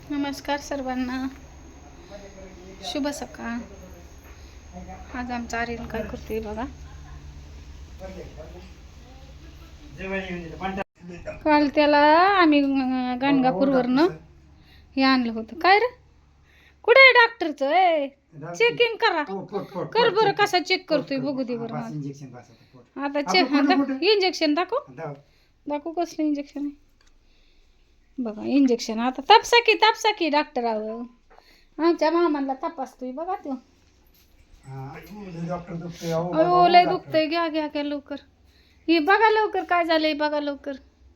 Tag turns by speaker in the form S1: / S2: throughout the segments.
S1: नमस्कार सर्वांना, शुभ सकाळ. आज आमचा आर्यन काय करतोय बघा. काल त्याला आम्ही गाणगापूरवरनं हे आणलं होतं. काय रे, कुठे आहे डॉक्टरचं? चेकिंग करा, कर बरं. कसा चेक करतोय बघू दे बरं. आता चेक, इंजेक्शन दाखव कसलं इंजेक्शन आहे बघा. इंजेक्शन आता तापसा की डॉक्टर. आमच्या मामाला तपासतोय बघा तो. अयो लय दुखतंय. घ्या लवकर. हे बघा लवकर काय झालंय, बघा लवकर.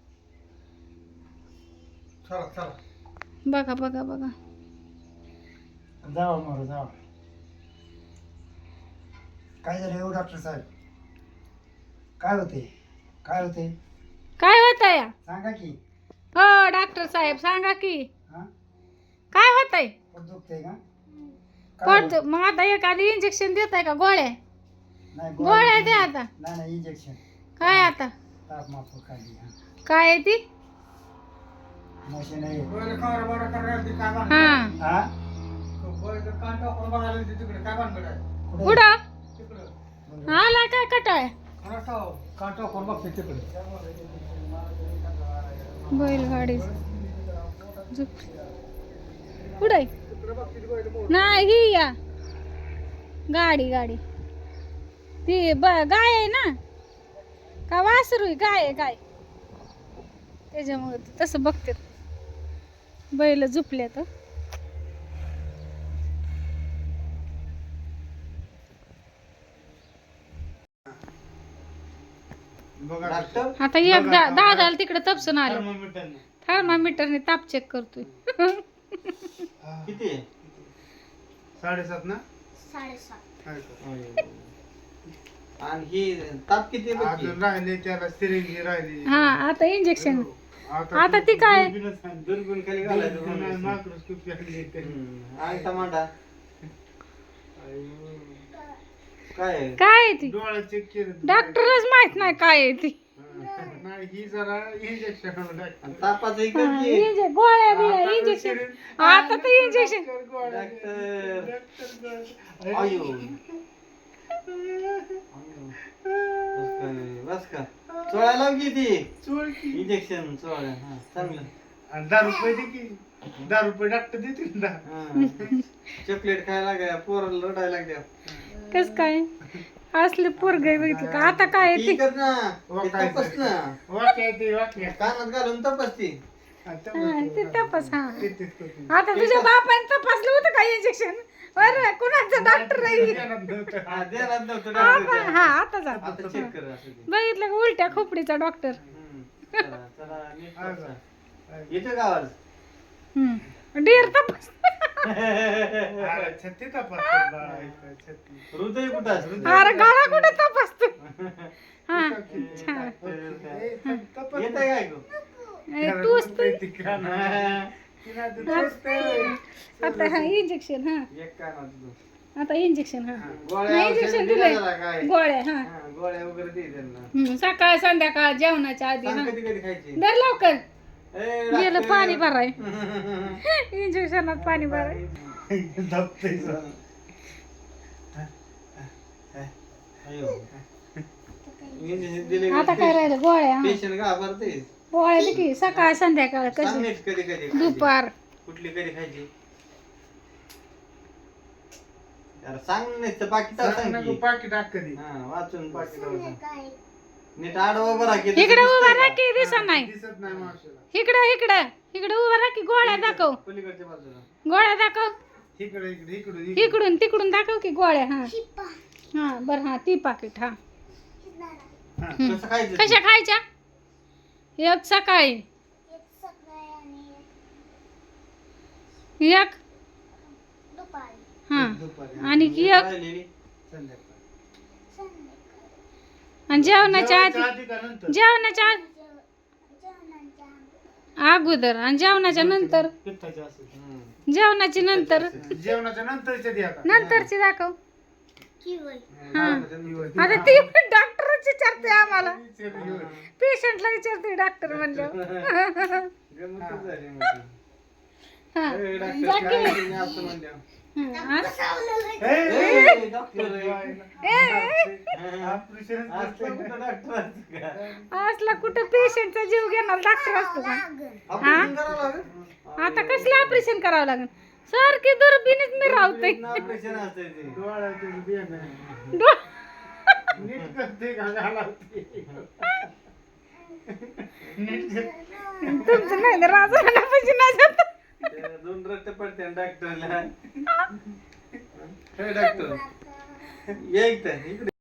S1: बघा
S2: जावा. काय झालं डॉक्टर साहेब? काय होते
S1: काय होतंय?
S2: सांगा की.
S1: हो डॉक्टर साहेब सांगा की.
S2: हा?
S1: काय होतंय?
S2: पोट दुखतंय का?
S1: पडतो मग. आता एखादी इंजेक्शन देताय का? गोळ्या
S2: नाही
S1: गोळ्या द्या आता.
S2: नाही इंजेक्शन.
S1: काय आता
S2: ताप माफ खाली.
S1: काय आहे ती?
S2: मशीन आहे.
S1: हा
S2: कुठे?
S1: कुठं आला काय कटाळ? बैलगाडी कुठे नाही ही या गाडी ती गाय आहे ना का वासरू आहे? गाय त्याच्यामुळे तसं बघते. बैल झुपले तर आता एक दादाला तिकडे तपसून आलं. थर्मामीटरने ताप चेक करतोय.
S2: किती? 7.5 ना?
S3: 7.5. आणि ही ताप किती
S2: अजून राहिले त्याला सिरिंज राहिली.
S1: हा आता इंजेक्शन. आता ती काय
S3: दुर्बीण खाली घालायचं.
S2: मायक्रोस्कोपी
S3: आणि टमाटा काय
S1: काय आहे ती?
S2: डोळा चेक केलं.
S1: डॉक्टरच माहित नाही काय आहे ती.
S2: नाही ही जरा इंजेक्शन
S3: तापाचं
S1: गोळ्या बिळ्या इंजेक्शन. आता तर इंजेक्शन.
S3: बस का चोळा लाव की ती इंजेक्शन चोळा. हा चांगलं.
S2: 10 रुपये डॉक्टर देतील ना.
S3: चॉकलेट खायला लागल्या, पोराला रडायला लागल्या.
S1: कस काय असले पोरगे बघितलं का? आता काय आहे ती?
S3: ती कर ना, ते तपास ना.
S2: वाक्य
S3: कानात घालून तपास ती.
S1: ते तपास. हा आता तुझ्या बापाने तपासलं होतं का इंजेक्शन? बरं कुणाचं डॉक्टर नाही.
S3: हा, देणार नव्हतं
S1: आता
S3: डॉक्टर.
S1: हा आता जा.
S3: आता चेक कर असं ते.
S1: बघितलं का उलट्या खोपडीचा डॉक्टर.
S3: चला नीट बसा. येतो का आवाज?
S1: डेर तपास.
S2: छत्ती तपासतात.
S3: हृदय कुठं असतं?
S1: अरे गळा कुठे तपासतो? हा
S3: येतंय काय गं?
S1: आता हा इंजेक्शन. हा
S3: एक कानात तुझं.
S1: आता इंजेक्शन. हा
S3: गोळ्या
S1: इंजेक्शन
S3: औषधं
S1: दिलंय.
S3: दिल्या जरा काय?
S1: गोळ्या. हा
S3: हा, गोळ्या वगैरे दे त्यांना.
S1: सकाळ संध्याकाळ जेवणाच्या आधी.
S3: सांग
S1: हा
S3: कधी कधी खायची.
S1: दर लवकर
S3: ए,
S1: गेलं
S3: डॉक्टर.
S1: पाणी भराय. इंजेक्शनात पाणी भराय.
S3: अयो. इंजेक्शन दिले
S1: आता काय राहिलं? गोळ्या. हा.
S3: पेशंट घाबरते.
S1: गोळ्या दे की सकाळ संध्याकाळ.
S3: सांग
S1: कशी
S3: नीट कधी कधी खायची.
S1: दुपार.
S3: कुठली कधी खायची? यार सांग नाही तर पाकिट सांग की.
S2: पाकिट टाक कधी.
S3: हा वाचून पाकिट नीट आडवा उभा राहा की.
S1: इकडे उभा राहा की दिसत नाही.
S2: दिसत नाही मावशीला.
S1: इकडे उभा राहा की. गोळ्या दाखव.
S3: पलीकडच्या बाजूला.
S1: गोळ्या दाखव.
S2: इकडे
S1: तिकडून दाखव की गोळ्या. हा हा बर. हा ती पाकिट. हा
S3: कसं खायचं?
S1: कशा खायच्या? एक सकाळी, एक हा
S3: दुपारी.
S1: आणि एक
S3: राहिलेली?
S2: संध्याकाळी.
S1: आणि जेवणाच्या आधी.
S2: आधी का नंतर?
S1: जेवणाच्या अगोदर आणि जेवणाच्या नंतर.
S2: पित्ताचे असेल.
S1: जेवणाची नंतर.
S2: जेवणाच्या नंतरच्या द्या का?
S1: नंतरची दाखव.
S3: हा.
S1: आता ती डॉक्टरच विचारते आम्हाला. पेशंटला विचारते डॉक्टर म्हणलं.
S3: गंमतच झाली मग ती.
S1: हा
S3: ए, डॉक्टर,
S1: जा की.
S3: काय तुम्ही असं म्हणल्यावर?
S1: हं,
S3: ए, डॉक्टर आहे.
S2: ऑपरेशन
S3: असलं कुठं डॉक्टर असतं का?
S1: असला कुठं पेशंटचा जीव घेणार डॉक्टर असतो का
S3: ऑपरेशन करावं लागेल?
S1: आता कसलं ऑपरेशन करावं लागेल सारखी दुर्बीनीच मी राहतोय
S3: ऑपरेशन असतंय ते.
S2: डोळ्यातून बियाणं. नीट करते का घालावते नीट
S1: तुमचं नाही तर राजवाड्यापाशी नाही जात
S3: ते 2 रट्टे पडते डॉक्टरला. हे डॉक्टर ये इकडे